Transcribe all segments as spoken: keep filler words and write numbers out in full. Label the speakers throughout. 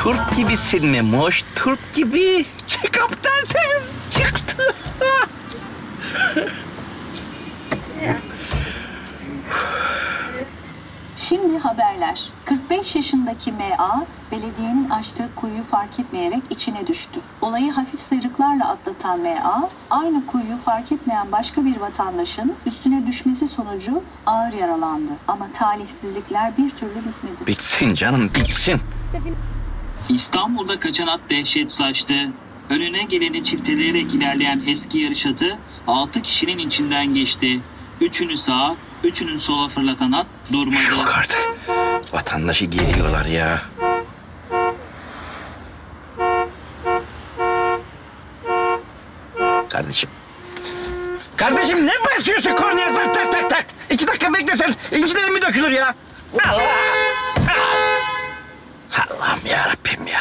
Speaker 1: Turp gibisin Memoş, turp gibi. Çıkıp tertemiz çıktı.
Speaker 2: Şimdi haberler. kırk beş yaşındaki M A, belediyenin açtığı kuyuyu fark etmeyerek içine düştü. Olayı hafif sıyrıklarla atlatan M A, aynı kuyuyu fark etmeyen başka bir vatandaşın üstüne düşmesi sonucu ağır yaralandı. Ama talihsizlikler bir türlü bitmedi.
Speaker 1: Bitsin canım, bitsin.
Speaker 3: İstanbul'da kaçan at dehşet saçtı. Önüne geleni çifteleyerek ilerleyen eski yarış atı altı kişinin içinden geçti. Üçünü sağa, üçünün sola fırlatan at durmadı.
Speaker 1: Yok artık. Vatandaşı geliyorlar ya. Kardeşim. Kardeşim ne basıyorsun kornaya tak tak tak tak. İki dakika beklesen incilerim mi dökülür ya? Allah! Allah'ım yarabbim ya.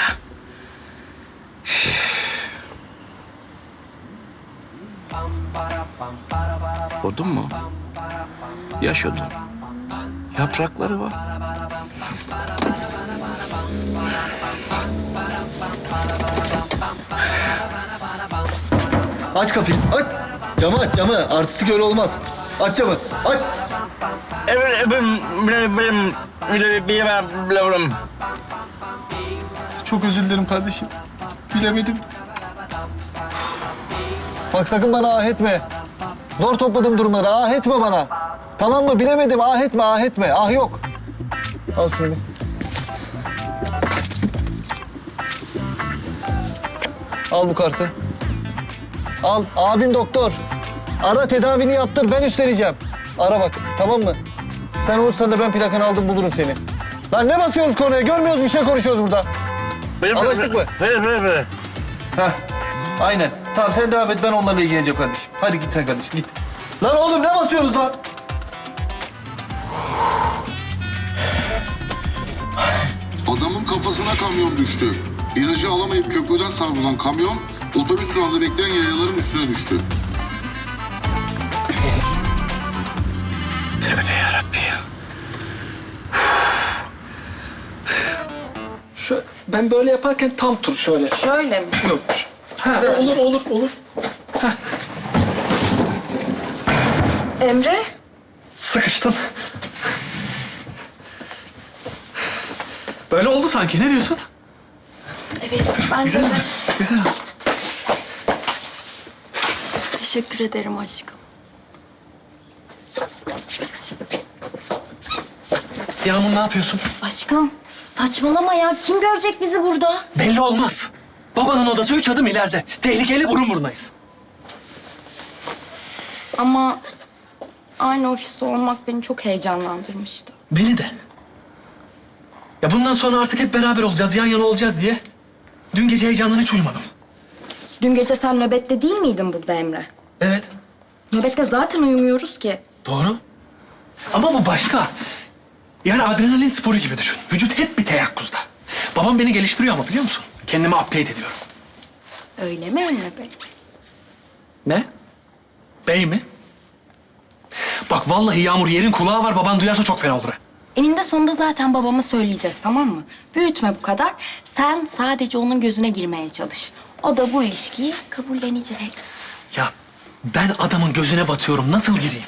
Speaker 1: Odun mu? Yaş odun. Yaprakları var.
Speaker 4: Aç kapıyı, aç. Camı aç, camı. Artistik öyle olmaz. Aç camı, aç. Çok özür dilerim kardeşim. Bilemedim. Bak sakın bana ah etme. Zor topladım durumları, ah etme bana. Tamam mı? Bilemedim, ah etme, ah etme. Ah yok. Al şunu. Al bu kartı. Al, abim doktor. Ara tedavini yaptır, ben üstleneceğim. Ara bak, tamam mı? Sen olursan da ben plakanı aldım bulurum seni. Lan ne basıyoruz konuya? Görmüyoruz bir şey konuşuyoruz burada. Anlaştık mı?
Speaker 1: Ver, ver, ver.
Speaker 4: Heh, aynen. Tamam sen devam et, ben onlarla ilgileneceğim kardeşim. Hadi git sen kardeşim, git. Lan oğlum ne basıyoruz lan?
Speaker 5: Adamın kafasına kamyon düştü. İlacı alamayıp köprüden savrulan kamyon, otobüs durağında bekleyen yayaların üstüne düştü.
Speaker 1: Tövbe yarabbi ya.
Speaker 6: Şu, ben böyle yaparken tam tur şöyle.
Speaker 7: Şöyle mi?
Speaker 6: Yok. Ha, olur olur olur.
Speaker 7: Emre?
Speaker 6: Sıkıştın. Böyle oldu sanki. Ne diyorsun?
Speaker 7: Evet, bence
Speaker 6: Güzel mi?
Speaker 7: de.
Speaker 6: Güzel.
Speaker 7: Teşekkür ederim aşkım.
Speaker 6: Yağmur ne yapıyorsun?
Speaker 7: Aşkım, saçmalama ya. Kim görecek bizi burada?
Speaker 6: Belli olmaz. Babanın odası üç adım ileride. Tehlikeli burun burunayız.
Speaker 7: Ama aynı ofiste olmak beni çok heyecanlandırmıştı.
Speaker 6: Beni de. Ya bundan sonra artık hep beraber olacağız, yan yana olacağız diye. Dün gece heyecandan hiç uyumadım.
Speaker 7: Dün gece sen nöbette değil miydin burada Emre?
Speaker 6: Evet.
Speaker 7: Nöbette zaten uyumuyoruz ki.
Speaker 6: Doğru. Ama bu başka. Yani adrenalin sporu gibi düşün. Vücut hep bir teyakkuzda. Babam beni geliştiriyor ama biliyor musun? Kendimi upgrade ediyorum.
Speaker 7: Öyle mi Emre Bey?
Speaker 6: Ne? Bey mi? Bak vallahi Yağmur yerin kulağı var. Baban duyarsa çok fena olur ha.
Speaker 7: Eninde sonunda zaten babama söyleyeceğiz, tamam mı? Büyütme bu kadar. Sen sadece onun gözüne girmeye çalış. O da bu ilişkiyi kabullenecek.
Speaker 6: Ya ben adamın gözüne batıyorum. Nasıl gireyim?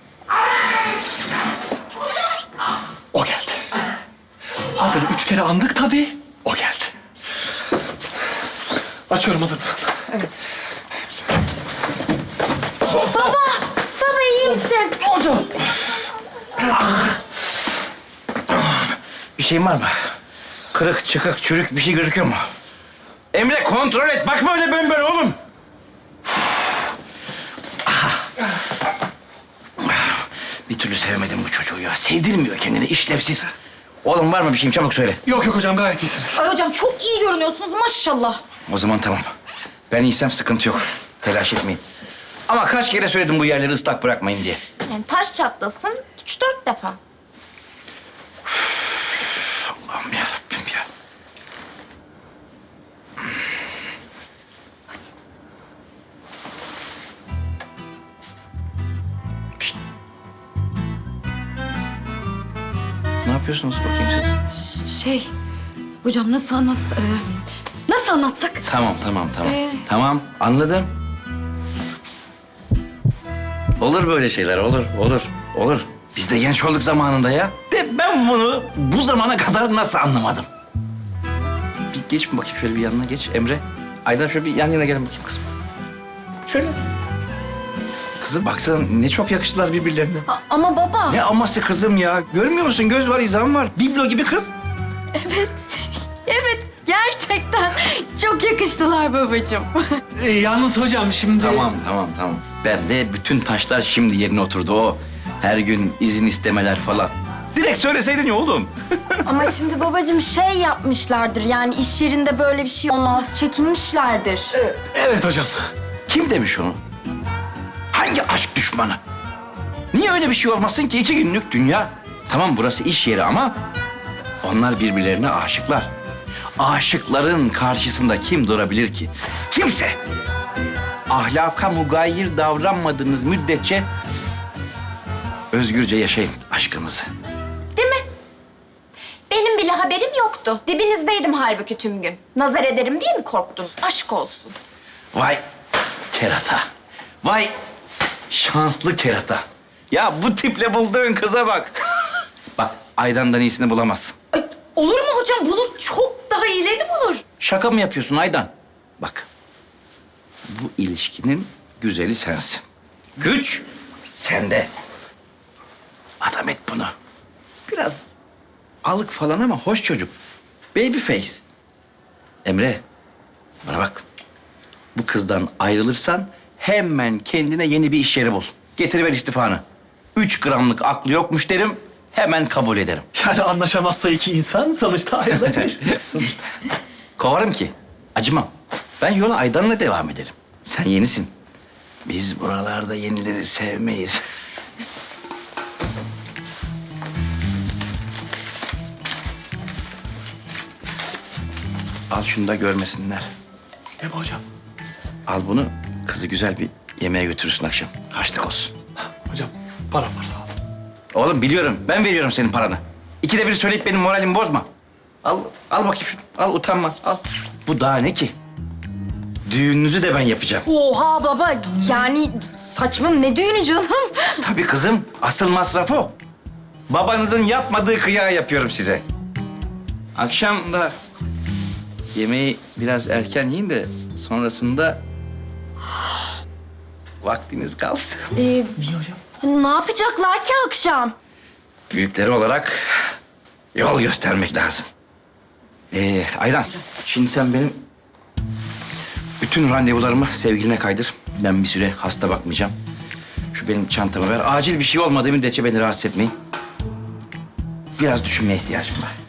Speaker 6: O geldi. Adını üç kere andık tabii. O geldi. Açıyorum, hazır mısın?
Speaker 7: Evet. Baba! Baba iyi misin?
Speaker 6: Hocam.
Speaker 1: Bir şeyin var mı? Kırık, çıkık, çürük bir şey gözüküyor mu? Emre kontrol et. Bakma öyle böyle böyle oğlum. Bir türlü sevemedim bu çocuğu ya. Sevdirmiyor kendini, işlevsiz. Oğlum var mı bir şeyim? Çabuk söyle.
Speaker 6: Yok yok hocam, gayet iyisiniz.
Speaker 7: Ay hocam çok iyi görünüyorsunuz maşallah.
Speaker 1: O zaman tamam. Ben iyiysem sıkıntı yok. Telaş etmeyin. Ama kaç kere söyledim bu yerleri ıslak bırakmayın diye.
Speaker 7: Yani taş çatlasın üç dört defa.
Speaker 1: Allah'ım yarabbim ya. Pişt. Ne yapıyorsunuz bakayım siz?
Speaker 7: Şey,
Speaker 8: Hocam nasıl anlat... e, nasıl anlatsak?
Speaker 1: Tamam, tamam, tamam.
Speaker 8: Ee?
Speaker 1: Tamam, anladım. Olur böyle şeyler, olur, olur, olur. Biz de genç olduk zamanında ya. De ben bunu bu zamana kadar nasıl anlamadım? Bir geç bakayım şöyle bir yanına geç Emre. Aydan şöyle bir yan yana gelin bakayım kızım. Şöyle. Kızım baksana ne çok yakıştılar birbirlerine.
Speaker 7: A- ama baba.
Speaker 1: Ne aması kızım ya. Görmüyor musun? Göz var, izan var. Biblo gibi kız.
Speaker 7: Evet. Evet. Gerçekten çok yakıştılar babacığım.
Speaker 6: Ee, yalnız hocam şimdi...
Speaker 1: Tamam, tamam, tamam. Ben de bütün taşlar şimdi yerine oturdu o. Her gün izin istemeler falan. Direkt söyleseydin ya oğlum.
Speaker 7: Ama şimdi babacığım şey yapmışlardır. Yani iş yerinde böyle bir şey olmaz. Çekinmişlerdir.
Speaker 6: Evet hocam.
Speaker 1: Kim demiş onu? Hangi aşk düşmanı? Niye öyle bir şey olmasın ki? İki günlük dünya. Tamam burası iş yeri ama onlar birbirlerine aşıklar. Aşıkların karşısında kim durabilir ki? Kimse. Ahlaka mugayir davranmadığınız müddetçe özgürce yaşayın aşkınızı.
Speaker 7: Değil mi? Benim bile haberim yoktu. Dibinizdeydim halbuki tüm gün. Nazar ederim diye mi korktun? Aşk olsun.
Speaker 1: Vay kerata. Vay şanslı kerata. Ya bu tiple bulduğun kıza bak. Bak Aydan'dan iyisini bulamazsın.
Speaker 8: Ay, olur mu hocam? Bulur. Çok daha iyilerini bulur.
Speaker 1: Şaka mı yapıyorsun Aydan? Bak bu ilişkinin güzeli sensin. Güç sende. Adam et bunu. Biraz alık falan ama hoş çocuk. Baby face. Emre bana bak. Bu kızdan ayrılırsan hemen kendine yeni bir iş yeri bul. Getiriver istifanı. Üç gramlık aklı yokmuş derim, hemen kabul ederim.
Speaker 6: Yani anlaşamazsa iki insan sonuçta ayrılabilir. sonuçta.
Speaker 1: Kovarım ki, acımam. Ben yola Aydan'la devam ederim. Sen yenisin. Biz buralarda yenileri sevmeyiz. Al şunu da görmesinler.
Speaker 6: Ne bu hocam?
Speaker 1: Al bunu, kızı güzel bir yemeğe götürürsün akşam. Harçlık olsun.
Speaker 6: Hocam param var sağ olun.
Speaker 1: Oğlum biliyorum, ben veriyorum senin paranı. İkide bir söyleyip benim moralimi bozma. Al, al bakayım şunu. Al, utanma, al. Bu daha ne ki? Düğününüzü de ben yapacağım.
Speaker 7: Oha baba. Yani saçma ne düğünü canım?
Speaker 1: Tabii kızım, asıl masraf o. Babanızın yapmadığı kıyağı yapıyorum size. Akşam da yemeği biraz erken yiyin de sonrasında vaktiniz kalsın.
Speaker 7: Ee, ne yapacaklar ki akşam?
Speaker 1: Büyükleri olarak yol göstermek lazım. Ee, Aydan, şimdi sen benim bütün randevularımı sevgiline kaydır. Ben bir süre hasta bakmayacağım. Şu benim çantamı ver. Acil bir şey olmadığı müddetçe beni rahatsız etmeyin. Biraz düşünmeye ihtiyacım var.